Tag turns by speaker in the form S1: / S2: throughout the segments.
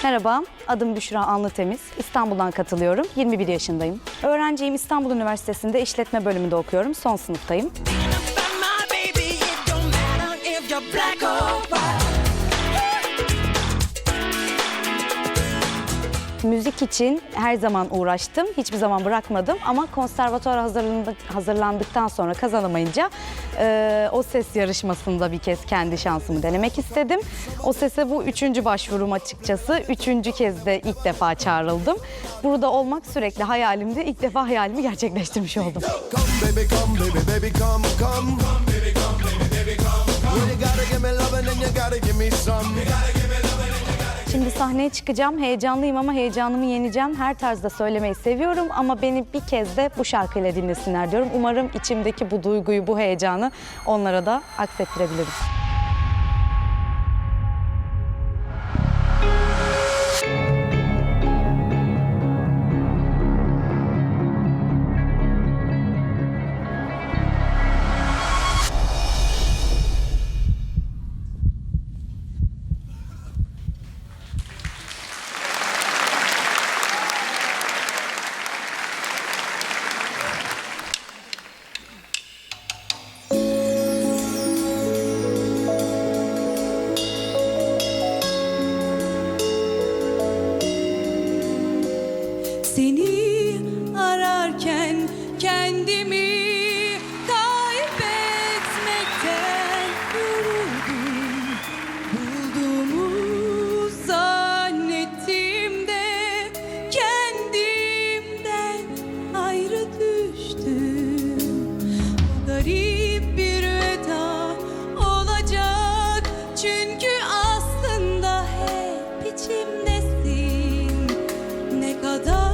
S1: Merhaba, adım Büşra Anlıtemiz. İstanbul'dan katılıyorum. 21 yaşındayım. Öğrenciyim. İstanbul Üniversitesi'nde işletme bölümünde okuyorum. Son sınıftayım. Müzik için her zaman uğraştım. Hiçbir zaman bırakmadım ama konservatuara hazırlandıktan sonra kazanamayınca O Ses yarışmasında bir kez kendi şansımı denemek istedim. O Ses'e bu 3. başvurum açıkçası. 3. kez de ilk defa çağrıldım. Burada olmak sürekli hayalimdi. İlk defa hayalimi gerçekleştirmiş oldum. Şimdi sahneye çıkacağım. Heyecanlıyım ama heyecanımı yeneceğim. Her tarzda söylemeyi seviyorum ama beni bir kez de bu şarkıyla dinlesinler diyorum. Umarım içimdeki bu duyguyu, bu heyecanı onlara da aksettirebilirim.
S2: Seni ararken kendimi kaybetmekten yoruldum. Bulduğumu zannettim de kendimden ayrı düştüm. Bu garip bir veda olacak çünkü aslında hep içimdesin. Ne kadar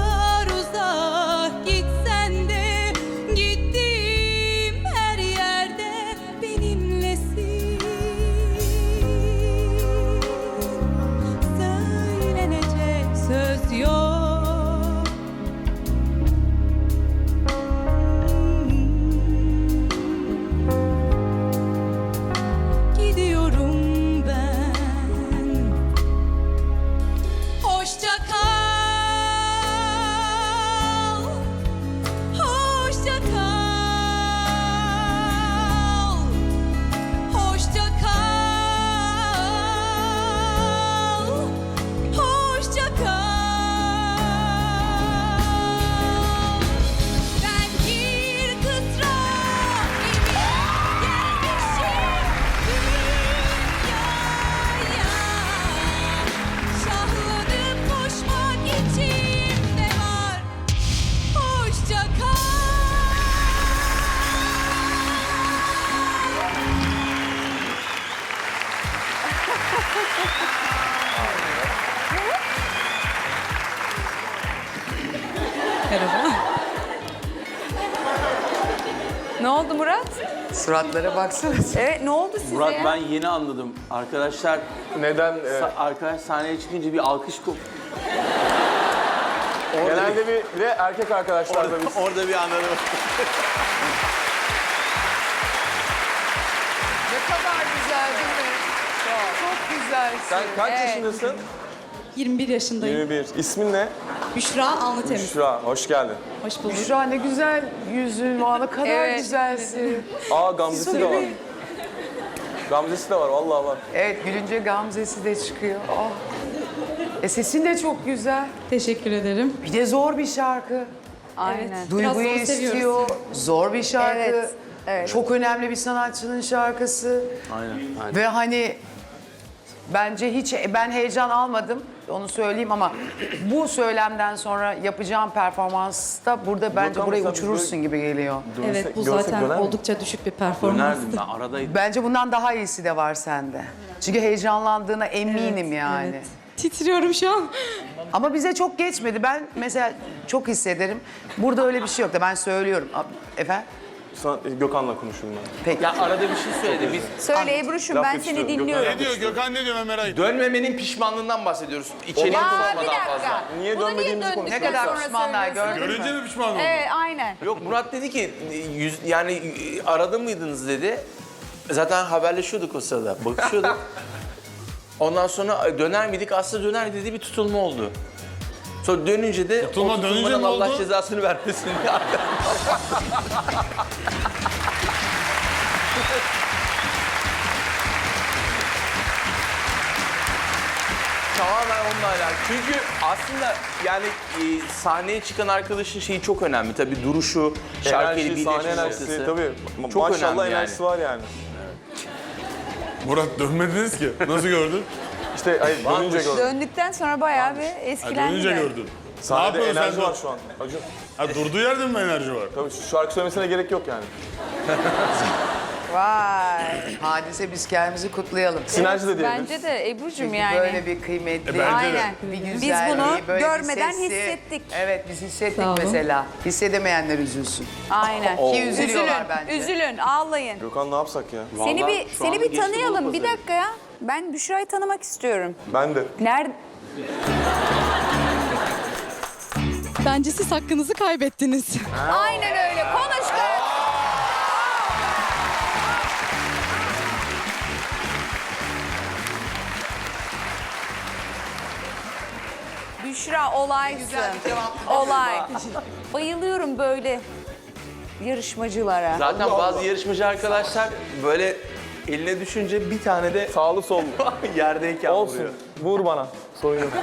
S3: Merhaba. Ne oldu Murat?
S4: Suratlara baksana.
S3: Evet, ne oldu size
S5: Murat
S3: ya?
S5: ben yeni anladım. Arkadaşlar
S4: Neden?
S5: arkadaş sahneye çıkınca bir alkış
S4: Genelde bir de erkek arkadaşlarla biz.
S5: orada bir anladım.
S3: Ne kadar güzel değil mi? Çok güzelsin.
S4: Sen kaç
S3: Evet.
S4: yaşındasın?
S2: 21 yaşındayım.
S4: 21. İsmin ne?
S2: Büşra Anlıtemiz.
S4: Büşra. Hoş geldin.
S2: Hoş bulduk.
S6: Büşra ne güzel yüzün var, ne kadar
S3: Evet.
S6: güzelsin.
S4: Aa Gamzesi de var. Gamzesi de var, vallahi var.
S6: Evet, gülünce gamzesi de çıkıyor. Ah. Sesin de çok güzel.
S2: Teşekkür ederim.
S6: Bir de zor bir şarkı.
S3: Aynen.
S6: Duyguyu
S2: zor seviyoruz.
S6: istiyor. Zor bir şarkı.
S3: Evet, evet.
S6: Çok önemli bir sanatçının şarkısı.
S5: Aynen.
S6: Ve hani bence hiç ben heyecan almadım. Onu söyleyeyim ama bu söylemden sonra yapacağım performansta burada bence burayı
S4: mesela
S6: uçurursun gibi geliyor.
S2: Evet, bu
S4: görsek
S2: zaten
S4: döner mi?
S2: oldukça düşük bir performanstı.
S5: Dönerdim ben aradaydım.
S6: Bence bundan daha iyisi de var sende. Çünkü heyecanlandığına eminim yani.
S2: Evet. Titriyorum şu an.
S6: Ama bize çok geçmedi. Ben mesela çok hissederim. Burada öyle bir şey yok da ben söylüyorum. Efendim?
S4: Gökhan'la konuşurum ben.
S6: Peki.
S5: Ya arada bir şey söyledi. Biz
S3: Söyle Ebru'şum,
S4: Laf
S3: ben
S4: yetiştiriyorum.
S3: seni dinliyorum.
S4: Gökhan
S7: Ne diyor Gökhan, ne diyor ben merak ediyorum.
S5: dönmemenin pişmanlığından bahsediyoruz. İçeriye
S3: Ya
S5: konuşma
S3: bir
S5: daha
S3: dakika.
S5: fazla.
S4: Niye
S3: Bunu
S4: dönmediğimizi
S3: döndükten
S4: konuşuyoruz.
S6: Ne kadar
S3: sonra
S6: pişmanlar
S3: söylüyorsun?
S6: gördün mü?
S7: Görünce mi pişman oldun?
S3: Evet, aynen.
S5: Yok Murat dedi ki yani arada mıydınız dedi. Zaten haberleşiyorduk o sırada. Bakışıyorduk. Ondan sonra döner miydik? Aslında döner dediği bir tutulma oldu. Sonra dönünce de
S7: Tutulma
S5: o
S7: dönünce
S5: tutulmanın
S7: ne
S5: Allah
S7: oldu?
S5: cezasını vermesin. Tamamen onunla alakalı. Çünkü aslında yani sahneye çıkan arkadaşın şeyi çok önemli. Tabii duruşu, şarkıyla
S4: Enerji, sahne
S5: birleşmesi.
S4: enerjisi tabii.
S5: Çok
S4: Maşallah
S5: önemli
S4: enerjisi
S5: yani.
S4: var yani.
S7: Murat dönmediniz ki. Nasıl gördün?
S4: İşte hayır, dönünce gördüm.
S3: Döndükten sonra bayağı bir
S7: Ha,
S3: eskilendi.
S7: dönünce
S3: de.
S7: gördün. Ne
S4: Sahnede
S7: yapıyorsun
S4: enerji
S7: sen?
S4: var şu an. Acun.
S7: Ha, durduğu yerde mi enerji var?
S4: Tabii şarkı söylemesine gerek yok yani.
S6: Vay. Hadise biz kendimizi kutlayalım.
S4: Sinerji de diyebiliriz.
S3: Bence de Ebru'cum
S6: Çünkü
S3: yani.
S6: böyle bir kıymetli,
S7: bence de.
S3: Aynen.
S6: bir
S3: Biz
S6: güzelliği,
S3: bunu
S6: böyle bir
S3: görmeden
S6: sesi.
S3: hissettik.
S6: Evet biz hissettik
S2: Sağ olun.
S6: mesela. Hissedemeyenler üzülsün.
S3: Aynen.
S6: Ki üzülüyorlar
S3: Üzülün,
S6: bence.
S3: üzülün, ağlayın.
S4: Gökhan ne yapsak ya?
S3: Seni
S5: Vallahi
S3: bir
S5: şu anda
S3: seni bir
S5: geçti
S3: tanıyalım.
S5: bu
S3: Bir
S5: pazarı.
S3: dakika ya. Ben Büşra'yı tanımak istiyorum.
S4: Ben de.
S3: Nerede?
S2: Bence siz hakkınızı kaybettiniz.
S3: Aynen öyle. Konuş kız. Büşra olaysın. Olay. Bayılıyorum böyle yarışmacılara.
S5: Zaten bazı yarışmacı arkadaşlar böyle eline düşünce bir tane de
S4: Sağlı sollu.
S5: yerdeyken
S4: Olsun.
S5: vuruyor.
S4: Vur bana. Sorun yok.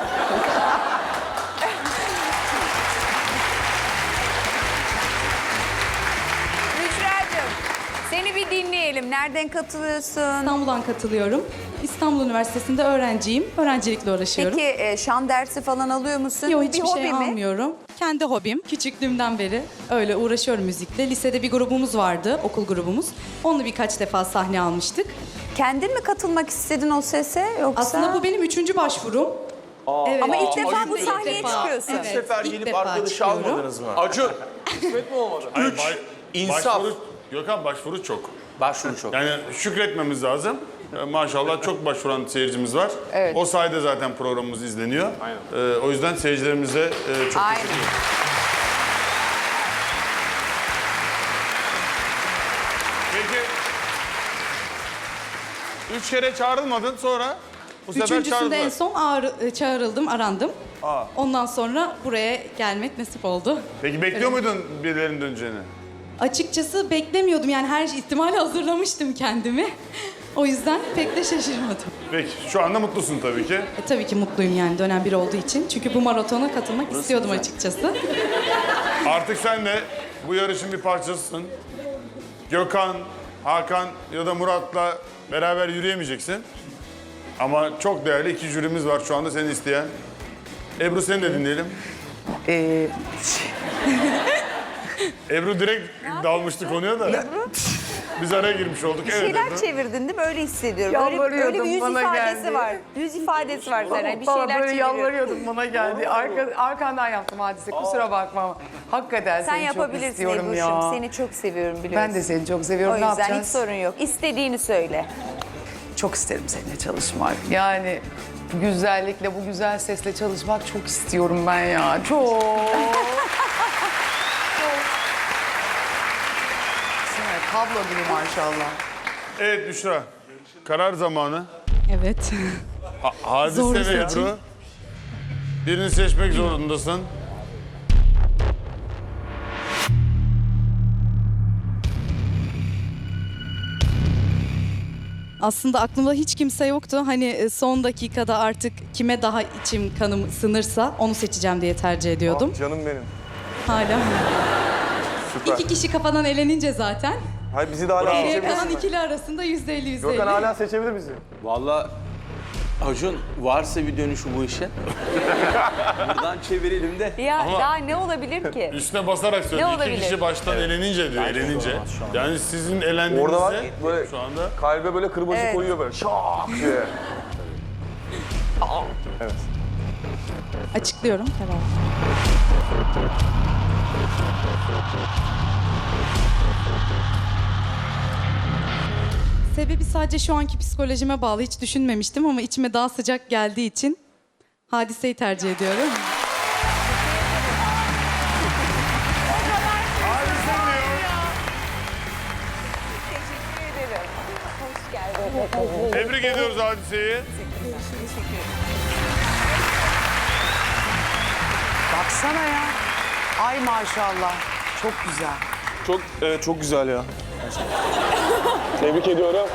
S3: Büşra'cığım seni bir dinleyelim. Nereden katılıyorsun?
S2: İstanbul'dan katılıyorum. İstanbul Üniversitesi'nde öğrenciyim. Öğrencilikle uğraşıyorum.
S3: Peki şan dersi falan alıyor musun?
S2: Yok
S3: Bir
S2: hiçbir
S3: hobi
S2: şey
S3: mi?
S2: almıyorum. Kendi hobim. Küçüklüğümden beri öyle uğraşıyorum müzikle. Lisede bir grubumuz vardı, okul grubumuz. Onunla birkaç defa sahne almıştık.
S3: Kendin mi katılmak istedin o sese yoksa?
S2: Aslında bu benim 3. başvurum. Evet.
S3: Ama ilk defa bu
S2: İlk
S3: sahneye
S2: defa.
S3: çıkıyorsun.
S2: Evet,
S5: Bir sefer
S2: ilk
S5: gelip
S2: defa
S5: arkadaşı
S2: çıkıyorum.
S5: almadınız mı?
S4: Acun. Kısmet mi olmadı?
S7: Hayır,
S5: insaf.
S7: Başvuru, Gökhan başvuru çok.
S5: Başvuru çok.
S7: Yani şükretmemiz lazım. Maşallah çok başvuran seyircimiz var.
S3: Evet.
S7: O sayede zaten programımız izleniyor. O yüzden seyircilerimize çok
S3: Aynen.
S7: teşekkür ederim. Peki 3 kere çağrılmadın sonra bu sefer
S2: Üçüncüsünde en
S7: çağırdılar.
S2: son çağrıldım, arandım. Ondan sonra buraya gelmek nasip oldu.
S7: Peki bekliyor muydun birilerinin döneceğini?
S2: Açıkçası beklemiyordum yani her ihtimali hazırlamıştım kendimi. O yüzden pek de şaşırmadım.
S7: Peki şu anda mutlusun tabii ki.
S2: Tabii ki mutluyum yani dönem bir olduğu için. Çünkü bu maratona katılmak istiyordum açıkçası.
S7: Artık sen de bu yarışın bir parçasısın. Gökhan, Hakan ya da Murat'la beraber yürüyemeyeceksin. Ama çok değerli iki jürimiz var şu anda seni isteyen. Ebru seni de dinleyelim. Ebru direkt dalmıştı konuya da. Biz araya girmiş olduk.
S3: Bir
S7: Evet
S3: şeyler
S7: Ebru.
S3: çevirdin değil mi? Öyle hissediyorum. Öyle bir
S6: Yalvarıyordum,
S3: yüz
S6: bana
S3: ifadesi
S6: geldi.
S3: var. Yüz ifadesi var sana. Bir
S6: Bana
S3: şeyler
S6: böyle
S3: çeviriyor.
S6: yalvarıyordum bana geldi. Arkandan yaptım hadise kusura bakma ama. Hakikaten
S3: Sen
S6: seni çok
S3: yapabilirsin
S6: istiyorum
S3: Ebru'cum.
S6: ya.
S3: Seni çok seviyorum biliyorsun.
S6: Ben de seni çok seviyorum.
S3: O
S6: Ne
S3: yüzden hiç
S6: yapacağız?
S3: sorun yok. İstediğini söyle.
S6: Çok isterim seninle çalışmak. Yani bu güzellikle, bu güzel sesle çalışmak çok istiyorum ben ya. Çok. Sen tablo gibi maşallah.
S7: Evet Büşra. Karar zamanı.
S2: Evet.
S7: Hadise
S2: Zor
S7: ve
S2: bir seçim.
S7: Ebru. Birini seçmek zorundasın.
S2: Aslında aklımda hiç kimse yoktu. Hani son dakikada artık kime daha içim kanım sınırsa onu seçeceğim diye tercih ediyordum.
S4: Ah, canım benim.
S2: Hala.
S4: Süper.
S2: 2 kişi kafadan elenince zaten.
S4: Hayır bizi de hala
S2: Geriye
S4: seçebilirsin.
S2: kalan ikili arasında %50-%50.
S4: Gökhan hala seçebilir bizi.
S5: Vallahi Acun varsa bir dönüşü bu işe. Buradan çevirelim de.
S3: Ya
S7: Ama-
S3: daha ne olabilir ki?
S7: Üstüne basarak söylüyor.
S3: Ne
S7: İki
S3: olabilir?
S7: kişi baştan elenince diyor, elenince. Yani sizin elendiğinizde
S4: Orada var böyle
S7: şu anda
S4: kalbe böyle kırbacı
S3: Evet.
S4: koyuyor böyle şak diye. Evet.
S2: Açıklıyorum. Tamam. Sebebi sadece şu anki psikolojime bağlı. Hiç düşünmemiştim ama içime daha sıcak geldiği için Hadise'yi tercih ediyorum.
S3: Teşekkür ederim. Hoş geldin.
S7: tebrik ediyoruz Hadise'yi.
S6: Baksana ya. Ay maşallah. Çok güzel.
S4: Çok güzel ya. Tebrik ediyorum.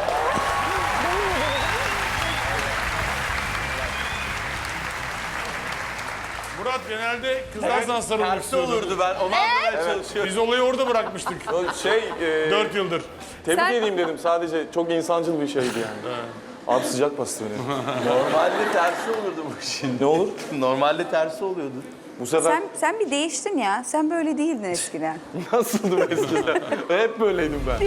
S7: Murat genelde kızlar sana sarılmak
S5: Tersi
S7: istiyordu.
S5: olurdu ben. Onu anlamaya çalışıyorum.
S7: Biz olayı orada bırakmıştık. 4 yıldır.
S4: Tebrik edeyim dedim. Sadece çok insancıl bir şeydi yani. Abi sıcak bastı beni.
S5: Normalde tersi olurdu bu işin.
S4: Ne olur?
S5: Normalde tersi oluyordu.
S4: Bu sefer
S3: Sen bir değiştin ya. Sen böyle değildin eskiden.
S4: nasıldım eskiden? Hep böyleydim ben.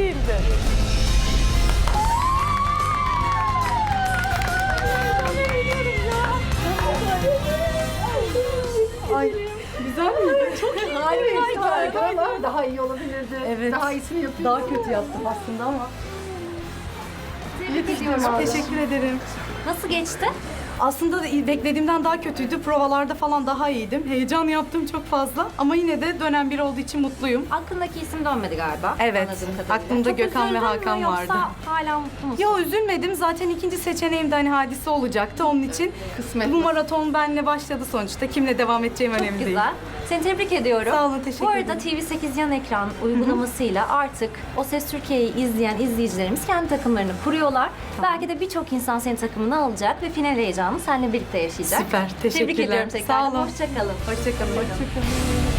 S8: Daha iyi olabilirdi.
S1: Evet.
S8: Daha iyisini yapıyorsun.
S1: Daha kötü yaptım aslında ama.
S8: Tebrik ediyorum.
S1: Teşekkür ederim.
S9: Nasıl geçti?
S1: Aslında da beklediğimden daha kötüydü. Provalarda falan daha iyiydim. Heyecan yaptım çok fazla. Ama yine de dönem bir olduğu için mutluyum.
S9: Aklındaki isim dönmedi galiba.
S1: Evet,
S9: anladığım kadarıyla.
S1: aklımda
S9: Çok
S1: Gökhan ve
S9: üzüldün mü
S1: Hakan
S9: yoksa
S1: vardı.
S9: hala mutlu musun?
S1: Yo üzülmedim. Zaten ikinci seçeneğim de hani Hadise olacaktı. Onun için
S8: Kısmet.
S1: bu maraton benle başladı sonuçta. Kimle devam edeceğim önemli
S9: Çok
S1: değil.
S9: güzel. Seni tebrik ediyorum.
S1: Sağ olun, teşekkür
S9: Bu arada
S1: ederim.
S9: TV8 yan ekran uygulamasıyla artık O Ses Türkiye'yi izleyen izleyicilerimiz kendi takımlarını kuruyorlar. Belki de birçok insan senin takımını alacak ve final heyecanını seninle birlikte yaşayacak.
S1: Süper, teşekkürler.
S9: Tebrik ediyorum tekrar.
S1: Sağ olun.
S9: Hoşça kalın.
S1: Hoşçakalın. Hoşçakalın.